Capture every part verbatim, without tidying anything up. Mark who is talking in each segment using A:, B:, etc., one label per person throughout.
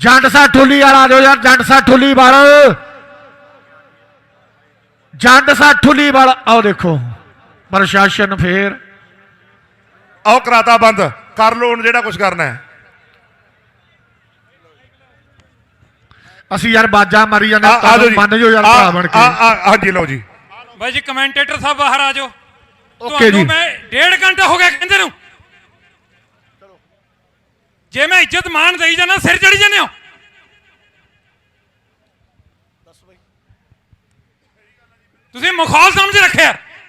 A: जंड सा ठुली वाला आ जाओ यार, जंड सा ठुली वाला, जंड सा ठुली वाला। आओ देखो प्रशासन फिर
B: आओ कराता बंद कर लो हुण जेड़ा कुछ करना है।
A: असी यार बाजा मारी जाने मन जो यार भरा बन के।
B: हाँ जी लो जी
C: भाई जी कमेंटेटर साहब बाहर आ जाओ।
A: ओके जी
C: मैं डेढ़ घंटा हो गया कहंदे नूं, जे मैं इज्जत मान दई जाना सिर चढ़ी जाने हो। तुसीं मखौल समझ रखे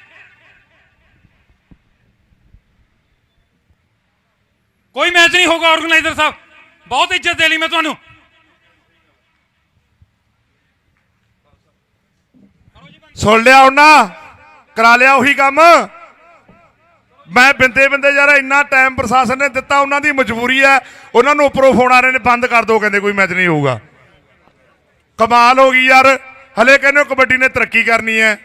C: कोई मैच नहीं होगा। ऑर्गेनाइजर साहब बहुत इज्जत दे ली मैं तुहानूं।
B: सुन लिया उन्हें करा लिया उही काम। मैं बिंदे बिंदे यार इन्ना टाइम प्रशासन ने दिता, उन्होंने मजबूरी है। उन्होंने उपरों फोन आ रहे ने बंद कर दो, कहते कोई मैच नहीं होगा। कमाल हो गई यार, हले कहने कबड्डी ने तरक्की करनी है।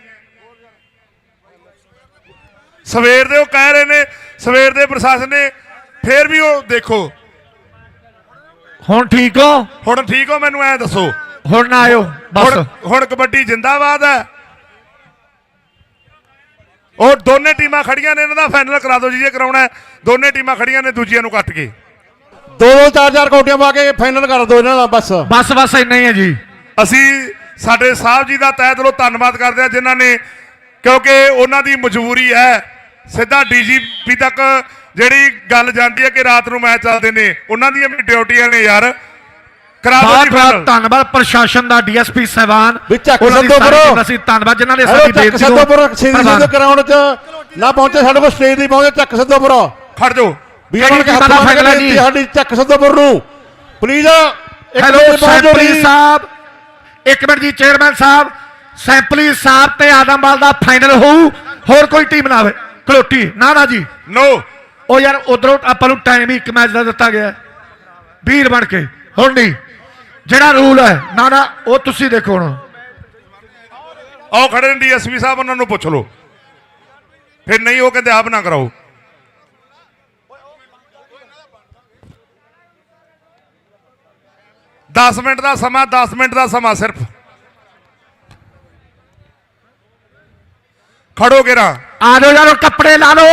B: सवेर दे कह रहे ने, सवेर दे प्रशासन ने फिर भी वो देखो
A: हुण ठीक हो,
B: हुण ठीक हो। मैनू ऐ दसो
A: हुण ना आयो बस,
B: हुण कबड्डी जिंदाबाद है। और दोने टीमां खड़ियां ने, इन्हां दा फाइनल करा दो जी जे कराउणा है। दोने टीमां खड़ियां ने, दूजियां नूं कट के
D: दो दो चार चार कौटियां पा के फाइनल कर दो इन्हां दा बस
A: बस बस इन्ना ही है जी।
B: ਅਸੀਂ ਸਾਡੇ ਸਾਹਿਬ ਜੀ ਦਾ ਤਹਿ ਦਿਲੋਂ ਧੰਨਵਾਦ ਕਰਦੇ ਹਾਂ ਜਿਨ੍ਹਾਂ ਨੇ, ਕਿਉਂਕਿ ਉਹਨਾਂ ਦੀ ਮਜਬੂਰੀ ਹੈ। ਸਿੱਧਾ ਡੀਜੀਪੀ ਤੱਕ ਜਿਹੜੀ ਗੱਲ ਜਾਂਦੀ ਹੈ ਕਿ ਰਾਤ ਨੂੰ ਮੈਚ ਚੱਲਦੇ ਨੇ, ਉਹਨਾਂ ਦੀਆਂ ਵੀ ਡਿਊਟੀਆਂ ਨੇ ਯਾਰ। ਕਰਾ ਦਿਓ ਜੀ
A: ਬਹੁਤ ਧੰਨਵਾਦ ਪ੍ਰਸ਼ਾਸਨ ਦਾ, ਡੀਐਸਪੀ ਸਾਹਿਬਾਨ
D: ਵੀ ਚੱਕ ਸੱਦੋ ਬਰੋ।
A: ਅਸੀਂ ਧੰਨਵਾਦ ਜਿਨ੍ਹਾਂ ਨੇ ਸਾਡੀ ਬੇਨਤੀ
D: ਸੱਦੋ ਬਰੋ ਸੀਰੀਜ਼ ਦੇ ਗਰਾਊਂਡ 'ਚ ਨਾ ਪਹੁੰਚੇ, ਸਾਡੇ ਕੋਲ ਸਟੇਜ ਨਹੀਂ ਪਹੁੰਚੇ। ਚੱਕ ਸੱਦੋ ਬਰੋ,
B: ਖੜ ਜਾਓ
D: ਵੀ ਉਹਨਾਂ ਨੇ ਹੱਥ ਫੜ ਕੇ ਸਾਡੀ ਚੱਕ ਸੱਦੋ ਬਰੋ ਨੂੰ ਪਲੀਜ਼।
A: ਹੈਲੋ ਸੈਂਪਲੀ ਸਾਹਿਬ, ਇੱਕ ਮਿੰਟ ਜੀ ਚੇਅਰਮੈਨ ਸਾਹਿਬ, ਸੈਂਪਲੀ ਸਾਹਿਬ ਤੇ ਆਦਮਵਾਲ ਦਾ ਫਾਈਨਲ ਹੋਊ, ਹੋਰ ਕੋਈ ਟੀਮ ਨਾ ਆਵੇ। ਕਲੋਟੀ ਨਾ ਨਾ ਜੀ
B: ਨੋ।
A: ਉਹ ਯਾਰ ਉਧਰੋਂ ਆਪਾਂ ਨੂੰ ਟਾਈਮ ਹੀ ਇੱਕ ਮੈਚ ਦਾ ਦਿੱਤਾ ਗਿਆ ਵੀਰ ਬਣ ਕੇ। ਹੁਣ ਨਹੀਂ ਜਿਹੜਾ ਰੂਲ ਹੈ ਨਾ ਨਾ ਉਹ ਤੁਸੀਂ ਦੇਖੋ। ਹੁਣ
B: ਆਓ ਖੜੇ ਨੇ ਡੀਐਸਪੀ ਸਾਹਿਬ, ਉਹਨਾਂ ਨੂੰ ਪੁੱਛ ਲਓ। ਫਿਰ ਨਹੀਂ ਉਹ ਕਹਿੰਦੇ ਆਪ ਨਾ ਕਰਾਓ। दस मिनट का समा, दस मिनट का समा सिर्फ। खड़ो गिरा,
A: आ लो यार, कपड़े ला लो।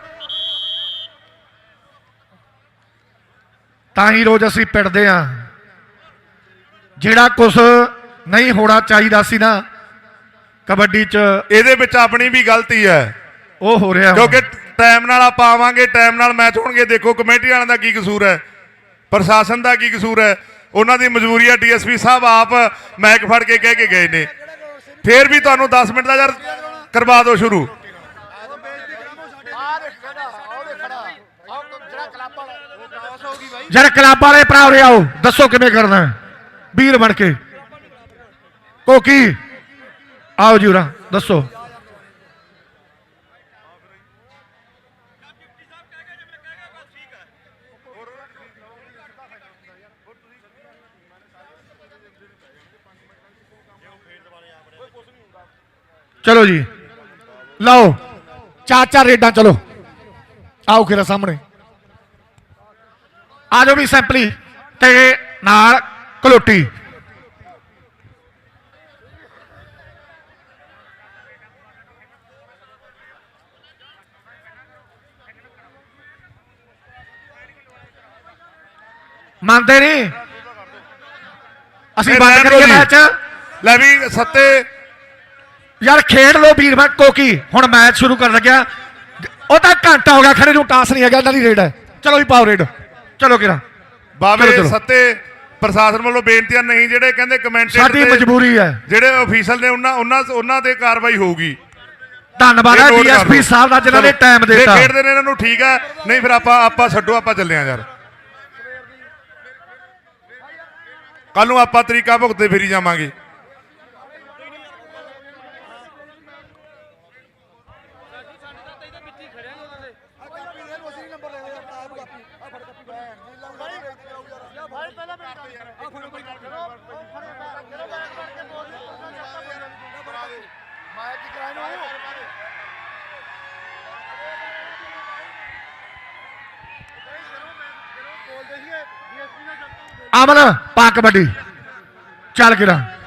A: ताही रोज असी पिटदे आ, जिहड़ा कुछ नहीं होना चाहिए सी ना कबड्डी च,
B: ਇਹਦੇ ਵਿੱਚ ਆਪਣੀ भी गलती है।
A: ਉਹ ਹੋ ਰਿਹਾ
B: क्योंकि टाइम नाल आप आवांगे, टाइम नाल मैच होणगे। देखो कमेटी वालों का की कसूर है, प्रशासन का की कसूर है, उन्होंने मजबूरी है। डीएसपी साहब आप मैक फड़ के कह के गए ने, फिर भी तुहानू दस मिनट का यार करवा दो शुरू।
A: जरा क्लब वाले भरा उरे आओ, दसो किवें करना है वीर बन के। कोकी आओ जी उरा दसो। चलो जी लो चार चार रेडा, चलो आओ खेरा सामने आ जाओ भी सैंपली ते नाल कलोटी। मानते नहीं असी बंद करिए मैच।
B: ले भी सत्ते
A: यार खेड लो वीर भट कोकी, हुण मैच शुरू कर लग्या। वो तो घंटा हो गया खड़े नूं, टास नहीं है, इन्हां दी रेड है। चलो भी पाओ रेड, चलो किरा
B: बाबे सत्ते प्रशासन वालों बेनतियां नहीं, जेडे कहंदे कमेंटेटर
A: साडी मजबूरी है,
B: जेडे ऑफिशियल ने उन्हां उन्हां उन्हां ते कार्रवाई होगी।
A: धन्नवाद है डीएसपी साहब दा जिन्हां ने टाइम देता।
B: खेडदे ने इन्हां नूं ठीक है, नहीं फिर आपां आपां छड्डो, आपां चले आ यार। कल नूं आपां तरीका भुगतदे फिरी जावांगे।
A: ਅਮਨ ਪਾ ਕਬੱਡੀ ਚੱਲ ਕਿਰਾ